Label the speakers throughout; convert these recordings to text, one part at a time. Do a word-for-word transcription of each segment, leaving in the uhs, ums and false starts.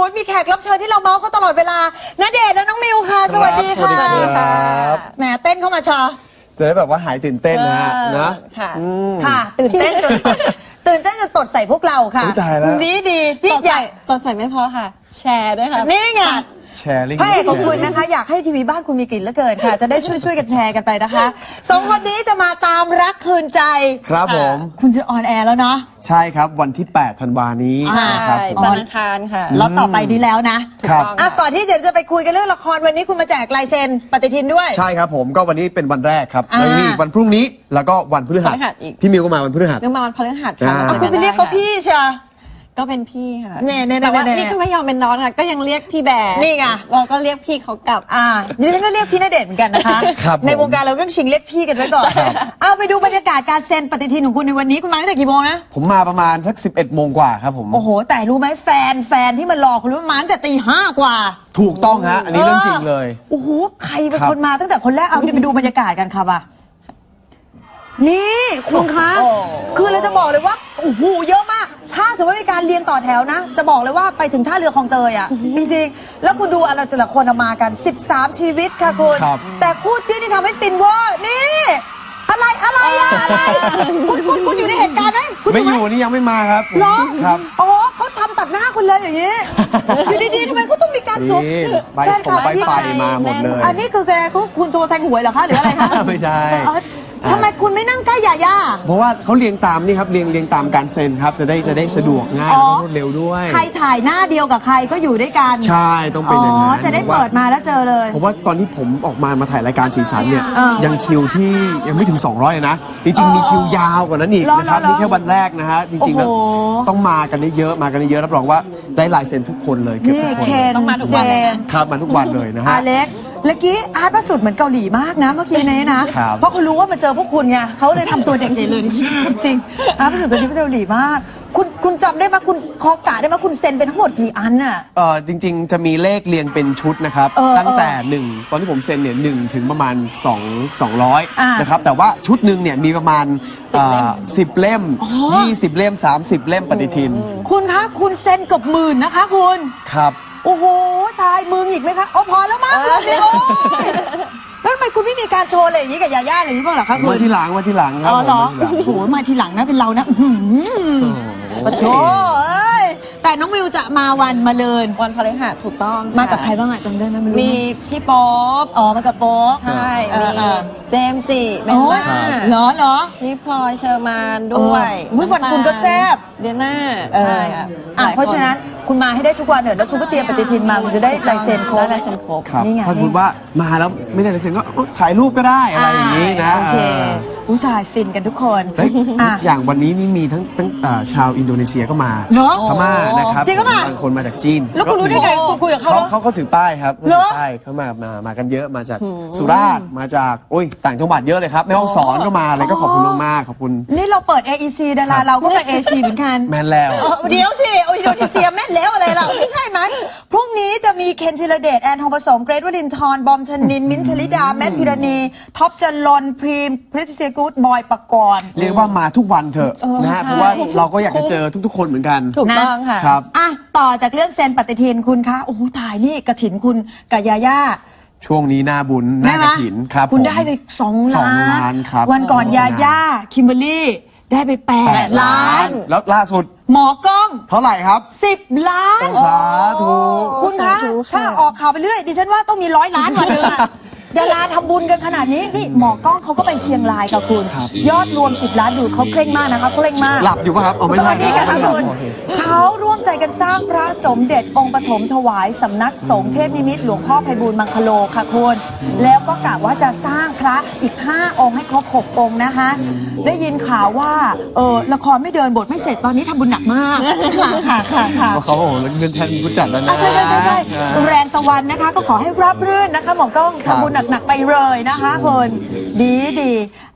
Speaker 1: มีแขกรับเชิญที่เราเมาส์เขาตลอดเวลาณเดชน์และน้องมิวค่ะสวัสดีค่ะ
Speaker 2: สวัสดีครับ
Speaker 1: แหมเต้นเข้ามาชอ
Speaker 2: จะได้แบบว่าหายตื่นเต้นนะฮะนะ
Speaker 3: ค่ะ
Speaker 2: อืม
Speaker 1: ค่ะ ตื่นเต้นจนตื่นเต้นจนตดใส่พวกเราค่ะ
Speaker 2: อุ๊ยตายแล้ว
Speaker 1: ดีดีพี่
Speaker 3: ตด
Speaker 1: ให
Speaker 3: ใส่
Speaker 1: ญ่
Speaker 3: ตดใส่ไม่พอค่ะ แชร์ด้วยค่ะ
Speaker 1: นี่ไง
Speaker 2: แชร์ลิงก์
Speaker 1: พระเอกของคุณนะคะอยากให้ทีวีบ้านคุณมีกลิ่นเหลือเกินค่ะ จะได้ช่วยช่วยกันแชร์กันไปนะคะสองคนนี้จะมาตามรักคืนใจ
Speaker 2: ครับผม
Speaker 1: คุณจะออนแอร์แล้วเนาะ
Speaker 2: ใช่ครับวันที่แปดธันวานี้
Speaker 1: อ่า
Speaker 2: นะครับ
Speaker 3: ใช่
Speaker 2: ผม
Speaker 3: จันทร์อังคารค่ะ
Speaker 1: ล็อตต่อไปนี้แล้วนะ
Speaker 2: ครับ
Speaker 1: อ่ะก่อนที่เดี๋ยวจะไปคุยกันเรื่องละครวันนี้คุณมาแจกลายเซ็นปฏิทินด้วย
Speaker 2: ใช่ครับผมก็วันนี้เป็นวันแรกครับ
Speaker 1: อ่า
Speaker 2: แล้วมีอีกวันพรุ่งนี้แล้วก็วันพฤหัส
Speaker 3: พฤหัสอีก
Speaker 2: พี่มิวก็มาวันพฤหัส
Speaker 3: เรื่องมาวันพฤหัส
Speaker 2: อ่า
Speaker 3: ค่ะ
Speaker 1: อ่ะคุณไปเรียกเขาพี่เชียว
Speaker 3: ก็เป็นพี่ค่ะ
Speaker 1: เน่เน่เน่
Speaker 3: แต่ว่า
Speaker 1: เน่
Speaker 3: นี่ก็ไม่ยอมเป็นน้องค่ะ ก็ยังเรียกพี่แบร์
Speaker 1: นี่ไง
Speaker 3: เราก็เรียกพี่เขากลับ
Speaker 1: อ่าดิฉันก็เรียกพี่ณเดชน์เหมือนกันนะคะ
Speaker 2: ครับผม
Speaker 1: ในวงการเราต้องชิงเรียกพี่กันไว้ก่อน เอาไปดูบรรยากาศการเซ็นปฏิทินของคุณในวันนี้คุณมาตั้งแต่กี่โมงนะ
Speaker 2: ผมมาประมาณสักสิบเอ็ดโมงกว่าครับผม
Speaker 1: โอ้โห แต่รู้ไหมแฟนแฟนที่มันรอคุณรู้ไหมมาตั้งแต่ตีห้ากว่า
Speaker 2: ถูกต้องฮะอันนี้เรื่องจริงเลย
Speaker 1: โอ้โห ใครเป็น
Speaker 2: ครับ
Speaker 1: คนมาตั้งแต่คนแรก เอาเนี่ยไปดูบรรยากาศกันค่ะป่ะนี่คุณคะ
Speaker 3: โอ้
Speaker 1: คือเราจะบอกเลยว่า โอ้โห เยอะมาก ถ้าสมมติมีการเรียงต่อแถวนะ จะบอกเลยว่าไปถึงท่าเรือคลองเตยอ่ะ จริงๆ แล้วคุณดูอะไรแต่ละคนเอามากัน สิบสาม ชีวิตค่ะคุณ
Speaker 2: ครับ
Speaker 1: แต่คู่จิ้นที่ทำให้ฟินเวอร์ นี่ อะไรอะไรอะอะไร คุณคุณคุณอยู่ในเหตุการณ์ไหมคุณ
Speaker 2: ไม่
Speaker 1: ห
Speaker 2: อยู่นี่ยังไม่มาครับ
Speaker 1: เหรอ
Speaker 2: ครับ
Speaker 1: อ๋อเขาทำตัดหน้าคุณเลยอย่างนี้ อยู่ดีๆทำไมเขาต้องมีการสวม
Speaker 2: นี่ใบ
Speaker 1: แฟนคลั
Speaker 2: ผมใบ
Speaker 1: ที่
Speaker 2: ไฟมาหมดเลย
Speaker 1: อันนี้คือแกคุณคุณโทรแทงหวยเหรอคะหรืออะไรคะ
Speaker 2: ไม่ใช่
Speaker 1: เอ้ยทำไมคุณไม่นั่งใกล้ยาย่า
Speaker 2: เพราะว่าเขาเรียงตามนี่ครับเรียงเรียงตามการเซ็นครับจะได้จะได้สะดวกง่าย
Speaker 1: อ๋อ
Speaker 2: แล้วก็รวดเร็วด้วย
Speaker 1: ใครถ่ายหน้าเดียวกับใครก็อยู่ด้วยกัน
Speaker 2: ใช่ต้องเป็น
Speaker 1: อ๋
Speaker 2: อย่าง
Speaker 1: อ
Speaker 2: นั้น
Speaker 1: จะได้เปิดมาแล้วเจอเลย
Speaker 2: เพราะว่าตอนที่ผมออกมามาถ่ายรายการสีสันเนี่ย
Speaker 1: เออ
Speaker 2: ยังคิวที่ยังไม่ถึง สองร้อยเลยนะ จริงๆ มีคิวยาวกว่านั้นอีก
Speaker 1: เหรอ
Speaker 2: นะครับ
Speaker 1: เหรอ
Speaker 2: นี่แค่วันแรกนะฮะจริงๆแล้ว
Speaker 1: โอ้โห
Speaker 2: ต้องมากันเยอะๆมากันเยอะรับรองว่าได้ลายเซ็นทุกคนเลยเกือบ
Speaker 1: นี่
Speaker 2: ทุกคน
Speaker 1: เคน
Speaker 3: ต้องมาทุกวันเลยนะ
Speaker 1: จมส์
Speaker 2: ครับมาทุกวันเลยนะฮะ
Speaker 1: อาเล็กเมื่อกี้อาร์ตประสุดเหมือนเกาหลีมากนะเมื่อกี้นี้นะครับ เพราะเขารู้ว่ามาเจอพวกคุณไงเขาเลยทำตัวเด็กใหญ่เลยจริงๆอาร์ตประสุดตัวนี้เป็นเกาหลีมาก คุณคุณจำได้ไหมคุณคอกะได้ไหมคุณเซ็นเป็นทั้งหมดกี่อันน่ะ
Speaker 2: เออจริง ๆ จะมีเลขเรียงเป็นชุดนะครับ
Speaker 1: เออ
Speaker 2: ตั้งแต่หนึ่งตอนที่ผมเซ็นเนี่ยหนึ่งถึงประมาณสอง สองร้อย
Speaker 1: อ่าน
Speaker 2: นะครับแต่ว่าชุดหนึ่งเนี่ยมีประมาณสิบเล่ม
Speaker 1: อ๋อ
Speaker 2: ยี่สิบเล่มสามสิบเล่มปฏิทิน
Speaker 1: คุณคะคุณเซ็นเกับหมื่นนะคะคุณ
Speaker 2: ครับ
Speaker 1: โอ้โห ตายมืออีกไหมคะอ๋อพอแล้วมั้งรอบนี้โอ้ยแล้วทำไมคุณไม่มีการโชว์อะไรอย่างนี้กับยาย่าอะไรอย่างนี้บ้างเหรอคะคุ
Speaker 2: มา
Speaker 1: ณ
Speaker 2: ที่หลังมาที่หลังครับ
Speaker 1: อ๋อเหรอ
Speaker 2: ผมมาที่หลัง
Speaker 1: โอ้โหมาทีหลังนะเป็นเรานะอื้อหือปะโถเอ้ยแต่น้องมิวจะมาวันมาเลิน
Speaker 3: วันพฤหัสถูกต้องะ
Speaker 1: มากับใครบ้างอะจำได้ไหมไม่รู้
Speaker 3: มีพี่โป๊ป
Speaker 1: อ๋อมากับโป๊ก
Speaker 3: ใช่
Speaker 1: เอ
Speaker 3: มี
Speaker 1: อเออ
Speaker 3: เจมส์จิเบ
Speaker 1: อ๋
Speaker 3: ล
Speaker 1: อ
Speaker 3: ล่า
Speaker 1: เหรอเหรอ
Speaker 3: พี่พลอยเชอร์มานด้วย
Speaker 1: เอออุ๊ยวันคุณก็แซ่บ
Speaker 3: เดียน่า
Speaker 1: เออ
Speaker 3: ใช่ค่ะ
Speaker 1: อ่ะ
Speaker 3: หลยค
Speaker 1: เพราะฉะนั้นคุณมาให้ได้ทุกวันเถอะแล้วคุณก็เตรียมปฏิทินมาคุณจะได้ลายเซ็นครบ
Speaker 3: ได้ลายเซ็นครบ
Speaker 2: ครับ
Speaker 1: นี่ไง
Speaker 2: ถ้าสมมติว่ามาแล้วไม่ได้ลายเซ็นก็เอ้ยถ่ายรูปก็ได้อะไรอย่างนี้นะ
Speaker 1: โอเค
Speaker 2: เออ
Speaker 1: อุ้ยถ่ายฟินกันทุกคน
Speaker 2: เฮ้ย
Speaker 1: อ่ะ
Speaker 2: อย่างวันนี้นี่มีทั้งทั้งอ่าชาวอินโดนีเซียก็มา
Speaker 1: เหรอ
Speaker 2: พม่านะครับ
Speaker 1: จริงปะ
Speaker 2: บางคนมาจากจีน
Speaker 1: แล้วคุณรู้ได้ไงคุณคุยกับเขา
Speaker 2: เขา
Speaker 1: เหรอ
Speaker 2: เขาเขาถือป้ายครับ
Speaker 1: เหรอ
Speaker 2: ถือป้ายเขามามามากันเยอะมาจากสุราษฎร์มาจากโอ้ยต่างจังหวัดเยอะเลยครับแม่ฮ่องสอนก็มาอะไรก็ขอบคุณมากๆขอบคุณ
Speaker 1: นี่เราเปิด เอ อี ซี ดาราเราก็ไป เอ ซี เหมือนกัน
Speaker 2: แมนแล้ว
Speaker 1: เออเดี๋ยวสิโออินโดนีเซียแม่นแล้วอะไรล่ะไม่ใช่มั้ยพรุ่งนี้จะมีเคนธีรเดชแอนทองผสมเกรทวรินทร์บอมชนิน มิ้นท์ชลิดา แมทพิรณี ท็อปจรนพรีมพริตติเซียกูดบอยปกรณ์
Speaker 2: เรียกว่ามาทุกวันเถอะนะฮะ
Speaker 3: ใช่
Speaker 2: เพราะว่าเราก็อยากจะเจอทุกๆ คนเหมือนกัน
Speaker 3: ถูกต้องค่ะ
Speaker 2: ครับ
Speaker 1: อ่ะ ต่อจากเรื่องเซ็นปฏิทินคุณคะ โอ้โหตายนี่กระถินคุณกับยาย่า
Speaker 2: ช่วงนี้หน้าบุญหน้ากระถินครับ
Speaker 1: คุณ
Speaker 2: ผม
Speaker 1: ได้ไปสอง
Speaker 2: สอง
Speaker 1: ล้าน
Speaker 2: ล้านครับ
Speaker 1: วันก่อนยาย่า คิมเบอรรี่ได้ไปแปด
Speaker 3: แปด
Speaker 1: ล้า
Speaker 3: ล้าน น
Speaker 2: แล้วล่าสุด
Speaker 1: หมอกล้อง
Speaker 2: เท่าไหร่ครับ
Speaker 1: สิบล้าน
Speaker 2: สาธุ
Speaker 1: คุณคะ
Speaker 3: สาธุค่ะ
Speaker 1: ถ้าออกข่าวไปเรื่อยดิฉันว่าต้องมีร้อยล้านวันหนึงอะดาราทำบุญกันขนาดนี้นี่หมอกล้องเขาก็ไปเชียงรายค่ะคุณ ยอดรวมสิบล้านดูเขาเคร่งมากนะคะเขาเคร่งมาก
Speaker 2: หลับอยู่ป่ะครับอ๋อไม่
Speaker 1: ต
Speaker 2: ใช่
Speaker 1: อนนี้ค่ะคุณ
Speaker 2: โอเค
Speaker 1: เขาร่วมใจกันสร้างพระสมเด็จองค์ปฐมถวายสำนักสงฆ์เทพนิมิตรหลวงพ่อไพบูลย์มังคโลค่ะคุณแล้วก็กะว่าจะสร้างพระอีกห้าองค์ให้ครบหกองค์นะคะ ได้ยินข่าวว่าเออละครไม่เดินบทไม่เสร็จตอนนี้ทำบุญหนักมากค่ะค่ะค่ะค่ะ
Speaker 2: เพราะเขาโอ้โหเงินแทนผู้จัดแล้วนะ
Speaker 1: อ่ะใช่ใช่ใช่ใช่
Speaker 2: อ่า
Speaker 1: แรงตะวันนะคะ ก็ขอให้ราบรื่นนะคะหมอกล้อง
Speaker 2: ครับ
Speaker 1: ทำบุญหนักๆไปเลยนะคะคนดีดีอ่ะ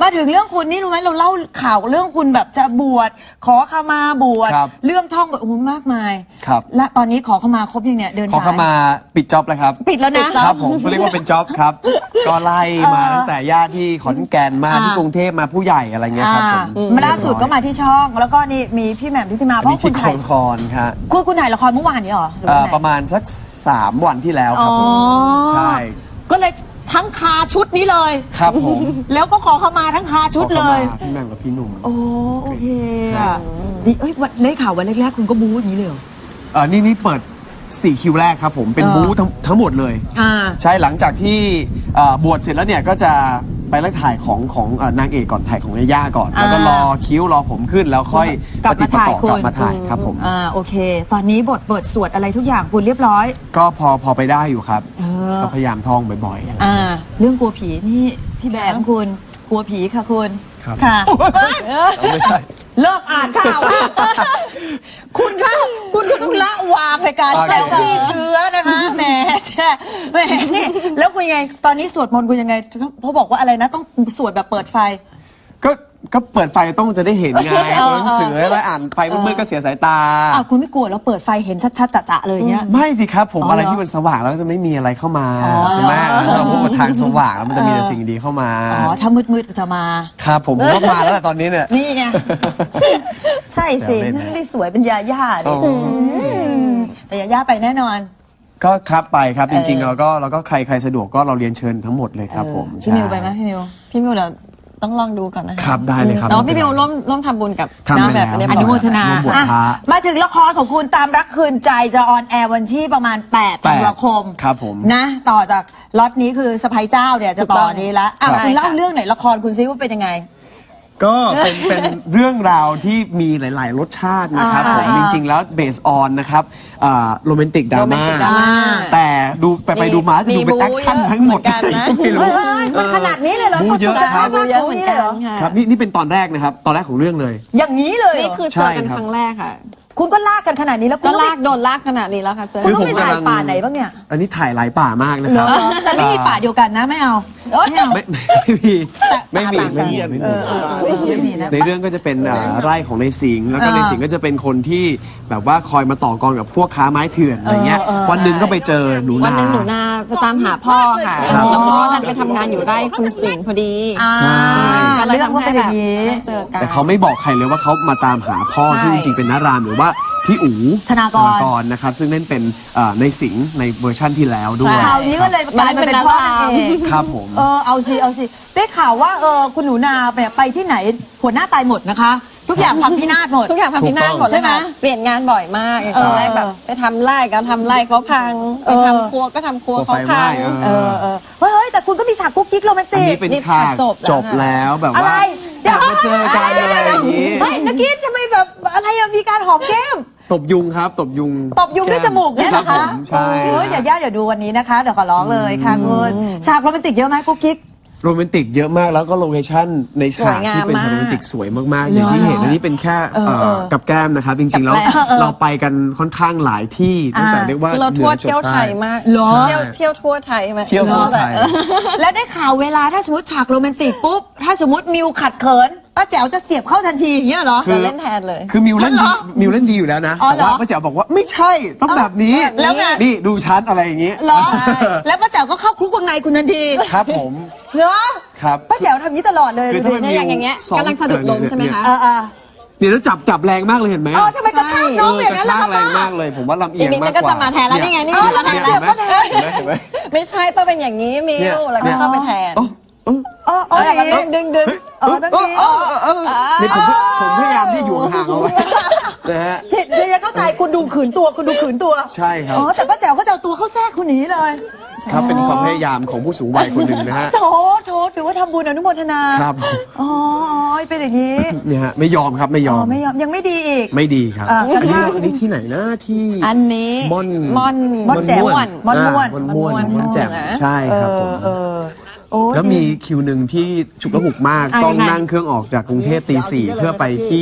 Speaker 1: มาถึงเรื่องคุณนี่รู้ไหมเราเล่าข่าวเรื่องคุณแบบจะบวชขอขมาบวช
Speaker 2: ครับ
Speaker 1: เรื่องท่องแบบโอ้โหมากมาย
Speaker 2: ครับ
Speaker 1: และตอนนี้ขอขมาครบยังเนี่ยเดิน
Speaker 2: ขอ
Speaker 1: สาย
Speaker 2: เข้ามาปิดจ็อบแล้วครับ
Speaker 1: ปิดแล้วนะ
Speaker 2: ครับผมเขาเรียกว่าเป็นจ็อบครับ ก็ไล่มาตั้งแต่ญาติที่ขอนแก่นมา
Speaker 1: อ่า
Speaker 2: ที่กรุงเทพมาผู้ใหญ่อะไรเงี้ยครับผม
Speaker 1: อ่ามาล่าสุดก็มาที่ช่อง แล้วก็นี่มีพี่แหม่มพิธิมา
Speaker 2: อัน
Speaker 1: เพราะ
Speaker 2: นี้
Speaker 1: คุ
Speaker 2: ที่
Speaker 1: ณ
Speaker 2: โค
Speaker 1: ถ่าย
Speaker 2: นคอนครับ
Speaker 1: คุณคุณถ่ายละครเมื่อวานนี้เหรอหรือ
Speaker 2: เอ่
Speaker 1: วัน
Speaker 2: อ
Speaker 1: ไหน
Speaker 2: ประมาณสักสามวันที่แล้วครับผม
Speaker 1: อ๋อ
Speaker 2: ใช่
Speaker 1: ก็เลยทั้งคาชุดนี้เลย
Speaker 2: ครับผม
Speaker 1: แล้วก็ขอขมาทั้งคาชุดเลย
Speaker 2: ขอข้ามาพี่แหม่มกับพี่หนุ่ม
Speaker 1: โอ้โอเคอ่ะนี่เอ้ยวันได้ข่าววันแรกๆคุณก็บู๊อย่างนี้เลยเหรอ
Speaker 2: เออนี่นี่เปิดสี่คิวแรกครับผมเป็น
Speaker 1: เออ
Speaker 2: บู๊ทั้งทั้งหมดเลย
Speaker 1: อ่า
Speaker 2: ใช่หลังจากที่เอ่อบวชเสร็จแล้วเนี่ยก็จะไปไล่ถ่ายของของเอ่อนางเอกก่อนถ่ายของยาย่าก่อน แล้วก็รอคิ้วรอผมขึ้นแล้วค่อย
Speaker 1: กลับมาถ่าย
Speaker 2: ปฏิปต่อกลับ
Speaker 1: คุณ
Speaker 2: มาถ่ายครับผม
Speaker 1: อ่าโอเค ตอนนี้บทเปิดสวดอะไรทุกอย่างคุณเรียบร้อย
Speaker 2: ก็พอพอไปได้อยู่ครับ
Speaker 1: เออ
Speaker 2: ก็พยายามท่องบ่อยๆ
Speaker 1: อ่า เรื่องกลัวผีนี่พี่แบงค์คุณกลัวผีค่ะคุณ
Speaker 2: ครับ
Speaker 1: ค่ะ
Speaker 2: ไม่ใช่
Speaker 1: เลิกอ่านข่าวค่ะ คุณคะคุณก็ต้องละวางในการ
Speaker 2: โอ
Speaker 1: แซ
Speaker 2: เค
Speaker 1: วพี่เชื้อนะคะแหมแช่แหมนี่แล้วคุณยังไง ตอนนี้สวดมนต์คุณยังไงเพราะบอกว่าอะไรนะต้องสวดแบบเปิดไฟ
Speaker 2: ก็ก็เปิดไฟต้องจะได้เห็นไง
Speaker 1: เออ
Speaker 2: ตัวหนังสือแล้วอ่านไฟมืดๆก็เสียสายตา
Speaker 1: อ้าวคุณไม่กลัวแล้วเปิดไฟเห็นชัดๆจะๆเลยอย่างเงี้ย
Speaker 2: ไม่สิครับผม
Speaker 1: อ๋อ
Speaker 2: อะไร
Speaker 1: เหรอ
Speaker 2: ที่มันสว่างแล้วจะไม่มีอะไรเข้ามา
Speaker 1: อ๋อ
Speaker 2: ใช่ไหมเราพูดว่าทางสว่างแล้วมันจะมีแต่สิ่งดีเข้ามา
Speaker 1: อ๋อถ้ามืดๆจะมา
Speaker 2: ครับผมผมว่ามาแล้วแหละตอนนี้เนี่ย
Speaker 1: นี่ไง ใช่สิ
Speaker 2: แซวเล่นนะ
Speaker 1: ไม่ได้สวยเป็นยาย่าดิ
Speaker 2: อ๋ออื
Speaker 1: มแต่ยาย่าไปแน่นอน
Speaker 2: ก็ครับไปครับจริงๆ
Speaker 1: เออ
Speaker 2: เราก็เราก็ใครใครสะดวกก็เราเรียนเชิญทั้งหมดเลยครับผม
Speaker 1: เออพี่มิวไปไหมพี่มิว
Speaker 3: พี่มิวเดี๋ยวต้องลองดูก่อนนะคะ
Speaker 2: ครับได้เลยครับ
Speaker 3: แต่ว่าพี่มิวร่วมร่วมทำบุญกับ
Speaker 2: ทำไป
Speaker 3: แบบ
Speaker 2: แล้ว
Speaker 3: เรียบ
Speaker 1: อ
Speaker 3: ร้อย
Speaker 1: นุโมทนา
Speaker 2: ร่วมบวช
Speaker 1: อ่ะ
Speaker 2: พระ
Speaker 1: มาถึงละครของคุณตามรักคืนใจจะออนแอร์วันที่ประมาณ8
Speaker 2: แปด
Speaker 1: ธันวาคม
Speaker 2: ครับผม
Speaker 1: นะ ต่อจากล็อตนี้คือสะพายเจ้าเนี่ยจะต่อนี้ละอ่ะ
Speaker 3: ครับ
Speaker 1: คุณเล่าเรื่องไหนละครคุณซิว่าเป็นยังไง
Speaker 2: ก็เป็นเป็นเรื่องราวที่มีหลาย ๆ รสชาตินะครับ
Speaker 1: อ่า
Speaker 2: ผมจริง ๆ แล้วเบสออนนะครับโรแมนติกดราม่า
Speaker 3: romantic drama
Speaker 2: แต่ดูไปไปดูมาจะดูเป็น
Speaker 3: มีบู๊
Speaker 2: แอคชั่นทั้งหมด
Speaker 3: เยอะเหมือนกันนะ
Speaker 2: ก็ไม่รู้
Speaker 1: เฮ้ยมันขนาดนี้เลยเหรอ
Speaker 2: บู๊เยอะ
Speaker 1: กด
Speaker 2: ครับ
Speaker 1: สุด
Speaker 3: เยอะเหมือนกัน
Speaker 1: หรอ
Speaker 3: ค่ะ
Speaker 2: ครับนี่นี่เป็นตอนแรกนะครับตอนแรกของเรื่องเลย
Speaker 1: อย่างนี้เลยเหร
Speaker 3: นี่
Speaker 1: อ
Speaker 3: คือ
Speaker 2: ใช่
Speaker 3: เจอกัน
Speaker 2: ครับ
Speaker 3: ครั้งแรกค่ะ
Speaker 1: คุณก็ลากกันขนาดนี้แล้วคุณ
Speaker 3: ก็
Speaker 1: ต้อง
Speaker 3: ลาก
Speaker 1: ไป
Speaker 3: โดนลากขนาดนี้แล้วค่ะเจอ
Speaker 1: คุณต้อง
Speaker 2: ผม
Speaker 1: ไปถ่าย
Speaker 2: กำลัง
Speaker 1: ป่าไหนบ้างเนี่ย
Speaker 2: อันนี้ถ่ายหลายป่ามากนะ
Speaker 1: เห
Speaker 2: ค
Speaker 1: ร
Speaker 2: รั
Speaker 1: อบ แต่ไม่มีป่าเดียวกันนะไม่เอาไม่เอา
Speaker 2: ไม่ไม่มีไม่มี
Speaker 1: ต่างกัน
Speaker 2: ไม่มีไม่
Speaker 1: เอ
Speaker 2: มี
Speaker 1: อเออเออไม่มีนะ
Speaker 2: ในเรื่องก็จะเป็นอ่าไร่ของในสิงห์แล้วก็
Speaker 1: เออ
Speaker 2: ในสิงห์ก็จะเป็นคนที่แบบว่าคอยมาต่อกรกับพวกค้าไม้เถื่อนอะไรเงี้ย
Speaker 1: เออเออ
Speaker 2: วันหนึ่งก็ไปเจอหนู
Speaker 3: วัน
Speaker 2: นา
Speaker 3: หนึ่งหนูนาไปตามหาพ่อค่ะ
Speaker 2: ครับ
Speaker 3: แล้วพ่อดันไปทำงานอยู่ไร่คุณสิงห์พอดี
Speaker 1: อ่า
Speaker 3: ก็เลย
Speaker 1: เรื่อง
Speaker 3: ทำ
Speaker 1: ก็
Speaker 3: ให้
Speaker 1: เป็นอ
Speaker 3: แบ
Speaker 1: ย่า
Speaker 3: บ
Speaker 1: งนี้
Speaker 3: ได้เจอกัน
Speaker 2: แต่เขาไม่บอกใครเลยว่าเขามาตามหาพ่อ
Speaker 3: ใช่
Speaker 2: ซึ่งจริงๆเป็นนารามหรือว่าพี่อู๋
Speaker 1: ธนากร
Speaker 2: นะครับซึ่งเล่นเป็นอ่าในสิงห์ในเวอร์ชั่นที่แล้วด้วย
Speaker 1: คราวนี้ก็เลยกลายมาเป็นพ่อนางเอก
Speaker 2: ครับผม
Speaker 1: เออเอาสิเอาสิได้ข่าวว่าเออคุณหนูนาเนี่ยไปที่ไหนหัวหน้าตายหมดนะคะ ทุกอย่างพังพินาศหมด
Speaker 3: ทุกอย่างพังพินาศหมด
Speaker 1: ใช่
Speaker 3: เลย
Speaker 1: ไหม
Speaker 3: ค่ะเปลี่ยนงานบ่อยมากอย่าง
Speaker 1: เออ
Speaker 3: ตอนแรกแบบไปทำไร่ก็ทำไร่เขาพัง
Speaker 1: เอ
Speaker 3: ไป
Speaker 1: อ
Speaker 3: ทำครัวก็ทำครัว
Speaker 2: ครัว
Speaker 3: เขา
Speaker 2: ไฟไหม้
Speaker 3: พัง
Speaker 2: เอ
Speaker 1: เออเออเฮ้ยเฮ้ยแต่คุณก็มีฉากกุ๊กกิ๊กโรแมน
Speaker 2: อัน
Speaker 1: ติ
Speaker 2: นี้
Speaker 1: ก
Speaker 2: เป็น
Speaker 3: นี่
Speaker 2: ฉาก
Speaker 3: จบแล้ว
Speaker 2: จบแล้วแบบ
Speaker 1: อะไร
Speaker 2: ว่า
Speaker 1: เดี๋ยว
Speaker 2: มาเจอกันอะไรอย่างนี้
Speaker 1: ไม่นักกินทำไมแบบอะไรอะมีการหอมแก้ม
Speaker 2: ตบยุงครับ ตบยุง
Speaker 1: ตบยุงด้วยจมูกเนี่ยเหรอ
Speaker 2: ครั
Speaker 1: คะ
Speaker 2: บผมใช่
Speaker 1: เอออย่าย่าอย่าดูวันนี้นะคะเดี๋ยวขอร้องเลยค่ะคุณฉากโรแมนติกเยอะไหมกุ๊กกิ๊ก
Speaker 2: โรแมนติกเยอะมากแล้วก็โลเคชั่นในฉาก
Speaker 3: สวยงาม
Speaker 2: ที่เป็น
Speaker 3: มาก
Speaker 2: โรแมนติกสวยมากๆ อย่างที่เห็นอันนี้เป็นแค่
Speaker 1: เออเออ
Speaker 2: เอ่อกับแก้มนะครับ จริงๆแล้ว
Speaker 3: กับแก้ม
Speaker 2: เราไปกันค่อนข้างหลายที่ตั้งแต่
Speaker 1: อ่า
Speaker 2: เรียกว่า
Speaker 3: คือเรา
Speaker 2: หนื
Speaker 3: ทั่ว
Speaker 2: อจด
Speaker 3: เที่ยวไท
Speaker 2: ใต้
Speaker 3: ยมาก
Speaker 1: เหรอ
Speaker 3: เที่ยวเที่ยวทั่วไทยมา
Speaker 2: เที่ยวทั่วไทย
Speaker 1: แล้วได้ข่าวเวลาถ้าสมมติฉากโรแมนติกปุ๊บถ้าสมมติมิวขัดเขินป้าแจ๋วจะเสียบเข้าทันทีอย่างเงี้ยเหรอ
Speaker 3: จะเล่นแทนเลย
Speaker 2: คือมิวเล่น
Speaker 1: อ๋อ
Speaker 2: ดี
Speaker 1: เหรอ
Speaker 2: มิวเล่นดีอยู่แล้วนะ
Speaker 1: อ๋อ
Speaker 2: แต่
Speaker 1: เหรอ
Speaker 2: ว่าป้าแจ๋วบอกว่าไม่ใช่ต้องแบบนี้
Speaker 1: แล้วไง
Speaker 2: นี่ดูชั้นอะไรอย่างนี้
Speaker 1: เหรอแล้วป้าแจ๋วก็เข้าคุกวงในคุณทันที
Speaker 2: ครับผม
Speaker 1: เนาะ
Speaker 2: ครับ
Speaker 1: ป้าแจ๋วทำนี้ตลอดเลย
Speaker 2: คือ
Speaker 1: ดู
Speaker 2: ถ้า
Speaker 1: สิ
Speaker 2: มัน
Speaker 3: เนี่ยอย่างอย่างเงี้ย
Speaker 2: ซ้อม
Speaker 3: กำลังสะดุดล้มใช่ไหมคะ
Speaker 1: เออเออ
Speaker 2: เนี่ยแล้วจับจับแรงมากเลยเห็นไหม
Speaker 1: เออทำไมกระชากน้องอย่างนั้นล่ะ
Speaker 2: ก
Speaker 1: คะ
Speaker 2: ระชากแรงมากเลย ผมว่าลำเอี
Speaker 3: อี
Speaker 2: ย
Speaker 3: ก
Speaker 2: ง
Speaker 3: นิด
Speaker 2: มา
Speaker 3: นึ
Speaker 2: ก
Speaker 3: งก็
Speaker 2: กว่า
Speaker 3: จะมาแทนแล้วนี่ไงนี่
Speaker 1: เออ
Speaker 3: แล้ว
Speaker 1: แล้ว
Speaker 3: นะ
Speaker 1: เสียบก็แทน
Speaker 2: เห็นไหมเห็นไหม
Speaker 3: ไม่ใช่ต้องเป็นอย่างนี้มิวแล้วก็เข้าไปแทน
Speaker 2: โอ้โอ้
Speaker 1: เออเอออย่างนี้
Speaker 3: ดึงดึง
Speaker 1: เออนั่น
Speaker 2: เอ
Speaker 1: ดี
Speaker 2: อเออเออนี่ผมผมพยายามที่อยู่ห่างๆเอาไว้นะฮะ
Speaker 1: เดี๋ยวจะเข้าใจคุณดูขืนตัวคุณดูขืนตัว
Speaker 2: ใช่ครับ
Speaker 1: อ๋อแต่ป้าแจ๋วก็จะเอาตัวเข้าแทรกคุณอย่างนี้เลย
Speaker 2: ครับเป็นความพยายามของผู้สูงวัยคนหนึ่งนะฮะ
Speaker 1: โถโถถือว่าทำบุญอนุโมทนา
Speaker 2: ครับ
Speaker 1: อ๋ออ๋อเป็นอย่างนี้
Speaker 2: เนี่ยฮะไม่ยอมครับไม่ย
Speaker 1: อ๋
Speaker 2: อ
Speaker 1: อ
Speaker 2: ม
Speaker 1: ไม่ยอมยังไม่ดีอีก
Speaker 2: ไม่ดีครับ
Speaker 1: อ่า
Speaker 2: อันนี้
Speaker 1: กระชาก
Speaker 2: อันนี้ที่ไหนนะที่
Speaker 3: อันนี้
Speaker 2: ม่อน
Speaker 3: ม่อน
Speaker 1: ม่อนแจ่ว
Speaker 3: ม่วน
Speaker 1: ม่อนม่วน
Speaker 2: อ่าม่อนม่วน
Speaker 3: ม่อน
Speaker 2: ม่อนแจ่ม
Speaker 3: ม่วนนะ
Speaker 2: ใช่ครับผม
Speaker 1: เออโอ้
Speaker 2: แล้วมี
Speaker 1: ดี
Speaker 2: คิวหนึ่งที่ฉุกละหุกมาก
Speaker 1: อ่ะ
Speaker 2: ต้อง
Speaker 1: ยังไง
Speaker 2: นั่งเครื่องออกจากกรุงเทพตีสี่เพื่อไปที่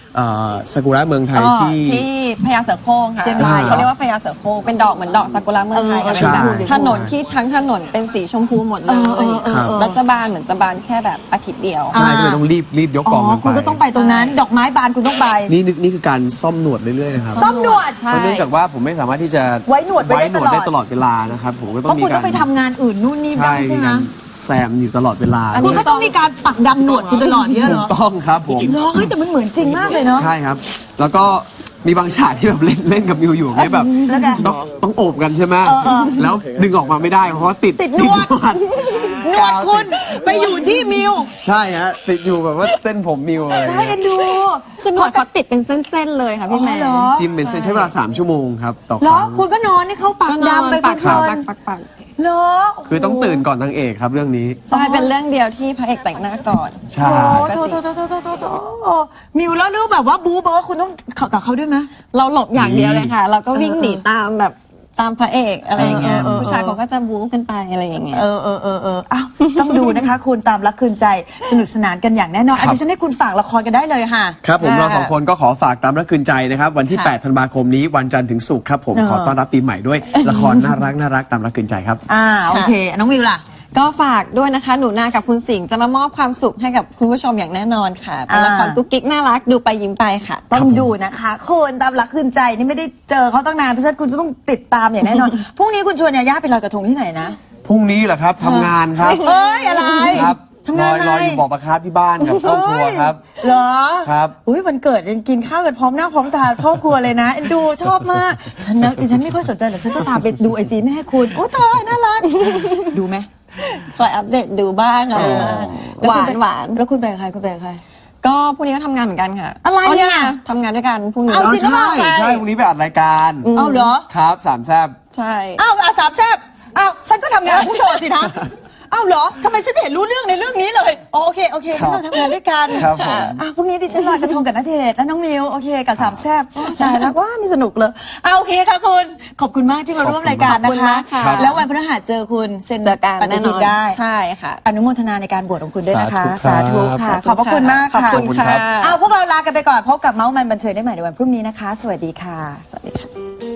Speaker 2: เอ่อซากุระเมืองไทย
Speaker 3: อ๋อ
Speaker 2: ที่
Speaker 3: ที่พญาเสือโคร่งค่ะ
Speaker 1: เชียงราย
Speaker 3: เขาเรียกว่าพญาเสือโคร่งเป็นดอกเหมือนดอกซากุระเมืองไทย
Speaker 1: เออ
Speaker 3: เป็นแบบ
Speaker 2: ใช่
Speaker 3: ถนนที่ทั้งถนนเป็นสีชมพูหมดเล
Speaker 1: เออเออย เออเออ
Speaker 3: แล้วจะบานเหมือนจะบานแค่แบบอาทิตย์เดียว
Speaker 2: ใช่ก็เลยต้องรีบรีบยกก
Speaker 1: อ๋
Speaker 2: อง
Speaker 1: อ
Speaker 2: กันไป
Speaker 1: คุณก็ต้องไปตรงนั้น ดอกไม้บานคุณต้องไป
Speaker 2: นี่นี่นี่คือการซ่อมหนวดเรื่อยๆนะครับ
Speaker 1: ซ่อมหนวด
Speaker 3: ใช่
Speaker 2: เพราะเนื่องจากว่าผมไม่สามารถที่จะ
Speaker 1: ไว้หนวดไว้ได้
Speaker 2: หนวดได้
Speaker 1: ต
Speaker 2: ต
Speaker 1: ล
Speaker 2: ล
Speaker 1: อ
Speaker 2: อ
Speaker 1: ด
Speaker 2: ดเวลานะครับผมก็ต้
Speaker 1: เพ
Speaker 2: อง
Speaker 1: ราะ
Speaker 2: มี
Speaker 1: คุณ
Speaker 2: กา
Speaker 1: ต้องไป
Speaker 2: ร
Speaker 1: ทำงานอื่นนู่นนี่
Speaker 2: ใช่
Speaker 1: ได้ใช่
Speaker 2: มี
Speaker 1: ไหม
Speaker 2: การแซมอยู่ตลอดเวลา
Speaker 3: อัน
Speaker 1: คุ
Speaker 3: นี้
Speaker 1: ณก็ต้องมีการปักดำหนวดคุณตลอดเนี่ยเหร
Speaker 2: ถู
Speaker 1: อก
Speaker 2: ต้องครับผม
Speaker 1: เหรอเฮ้ยแต่มันเหมือนจริงมากเลยเนาะ
Speaker 2: ใช่ครับ แล้วก็มีบางฉากที่แบบเล่นเล่นกับมิวอยู่เนี่ยแบบ
Speaker 1: แล้วไง
Speaker 2: ต้องต้องโอบกันใช่ไหม
Speaker 1: เออเออ
Speaker 2: แล้วดึงออกมาไม่ได้เพราะว่าติด
Speaker 1: ติดหนวด หนวดคุณไปอยู่ที่มิว
Speaker 2: ใช่ฮะติดอยู่แบบว่าเส้นผมมิวอะไร
Speaker 1: ได้เอ็นดู
Speaker 3: คือหนวดเขาติดเป็นเส้นๆเลยค่ะพี่แม่
Speaker 1: อ๋อเหรอ
Speaker 2: จิมเป็นเส้นใช้เวลาสามชั่วโมงครับต่อค
Speaker 1: เหรอ
Speaker 2: รั้ง
Speaker 1: คุณก็นอนให้เขาปัก
Speaker 3: ก็นอน
Speaker 1: ดำไป
Speaker 3: ปัก
Speaker 1: เพลิ
Speaker 3: ปั
Speaker 1: น
Speaker 3: กปักปัก
Speaker 1: ๆเหรอ
Speaker 2: คือต้องตื่นก่อนนางเอกครับเรื่องนี้
Speaker 3: ใช่เป็นเรื่องเดียวที่พระเอกแต่งหน้าก่อน
Speaker 2: ใช่
Speaker 1: โถโถโถโถโถโถโถมิวแล้วรู้แบบว่าบู๊เบิร์ดคุณต้องเข้ากับเขาด้วยไหม
Speaker 3: เราหลบอย่างเดียวเลยค่ะ เราก็วิ่งหนีตามแบบตามพระเอกอะไรอย่างเงี้ย
Speaker 1: เออเออเออ
Speaker 3: ผู้ชายเขาก็จะบู๊กันไปอะไรอย่างเงี้ย
Speaker 1: เออเออเออเอออ้าวต้องดูนะคะ คุณตามรักคืนใจสนุกสนานกันอย่างแน่นอนอันนี้ฉันให้คุณฝากละครกันได้เลยค่ะ
Speaker 2: ครับผม
Speaker 3: ค่ะ
Speaker 2: เราสองคนก็ขอฝากตามรักคืนใจนะครับวันที่
Speaker 3: ค่ะ
Speaker 2: แปด ธันวาคมนี้วันจันทร์ถึงศุกร์ครับผม
Speaker 1: เออ
Speaker 2: ขอต้อนรับปีใหม่ด้วยละครน่ารักน่ารักตามรักคืนใจครับ
Speaker 1: อ่าโอเค น้องวิวล่ะ
Speaker 3: ก็ฝากด้วยนะคะ หนูนากับคุณสิงห์จะมามอบความสุขให้กับคุณผู้ชมอย่างแน่นอนค่ะ เป็นละคร
Speaker 1: อ่า
Speaker 3: กุ๊กกิ๊กน่ารักดูไปยิ้มไปค่ะ
Speaker 1: ต้องดูนะคะคุณตามรักคืนใจนี่ไม่ได้เจอเขาตั้งนานเพราะฉะนั้นคุณจะต้องติดตามอย่างแน่นอน พรุ่งนี้คุณชวนยาย่าไปลอยกระทงที่ไหนนะ
Speaker 2: พรุ่งนี้เหรอครับทำงานครับ
Speaker 1: เฮ้ยอะไร
Speaker 2: ครับ
Speaker 1: ทำงาน
Speaker 2: ร
Speaker 1: อะไร
Speaker 2: ออยู่บอกประคาบที่บ้านกับครอบครัวครับ
Speaker 1: เหรอ
Speaker 2: ครับ
Speaker 1: อุ้ยวันเกิดยังกินข้าวกันพร้อมหน้าพร้อมตาครอบครัวเลยนะเอ็นดูชอบมากฉันนะดิฉันไม่ค่อยสนใจแต่ฉันก็ตามไปดูไอจีแม่คุณโอ้ตายน่ารักดูไหม
Speaker 3: คอยอัปเดตดูบ้างอะไรบ้าง
Speaker 1: แล้
Speaker 3: ห
Speaker 1: คุ
Speaker 3: วา
Speaker 1: ณ
Speaker 3: น
Speaker 1: ไป
Speaker 3: หวาน
Speaker 1: แล้วคุณไปกับใครคุณไปกับใคร
Speaker 3: ก็พรุ่งนี้ก็ทำงานเหมือนกันค่ะ
Speaker 1: อะไรอ่ะ
Speaker 3: นี่งทำงานด้วยกันพรุ่งนี้
Speaker 1: เอาจริงหรือเปล่า
Speaker 2: ใช่ใช่วันนี้ไปอัดรายการ
Speaker 1: เอาเหรอ
Speaker 2: ครับสามแซบ
Speaker 3: ใช่
Speaker 1: อ้าวอาสามแซบอ้าวฉันก็ทำงานกับผู้โชว์สินะอ้าวเหรอทำไมฉันไม่เห็นรู้เรื่องในเรื่องนี้เลยอ๋อโอเคโอเค
Speaker 2: ครับ
Speaker 1: งั้นเราทำงานด้วยกัน
Speaker 2: ครับผม
Speaker 1: อ้าวพรุ่งนี้ดิฉันลอยกระทงกับณเดชน์และน้องมิวโอเคกับสามแซบโอ้ตายแล้วว้ามีสนุกเลยอ้าวโอเคค่ะคุณขอบคุณมากที่มาร่วมรายการ
Speaker 3: ขอบ
Speaker 1: นะ
Speaker 3: คุณ
Speaker 1: คะ
Speaker 3: มากค่ะ
Speaker 1: แล้ววันพฤหัสเจอคุณเซ็น
Speaker 3: เจอกัน
Speaker 1: ปฏิ
Speaker 3: แน่น
Speaker 1: ทิ
Speaker 3: อน น
Speaker 1: ได้
Speaker 3: ใช่ค่ะ
Speaker 1: อนุโมทนาในการบวชของคุณด้วยนะคะ
Speaker 2: สาธุครับ
Speaker 1: ค่ะ ขอบพระคุณมาก
Speaker 3: ขอบ
Speaker 1: ค่ะ
Speaker 3: คุณค่ะ
Speaker 1: อ้าวพวกเราลากันไปก่อนพบกับเมาส์มันบันเทิงได้ใหม่ในวันพรุ่งนี้นะคะ สวัสดีค่ะ
Speaker 3: สวัสดีค่ะ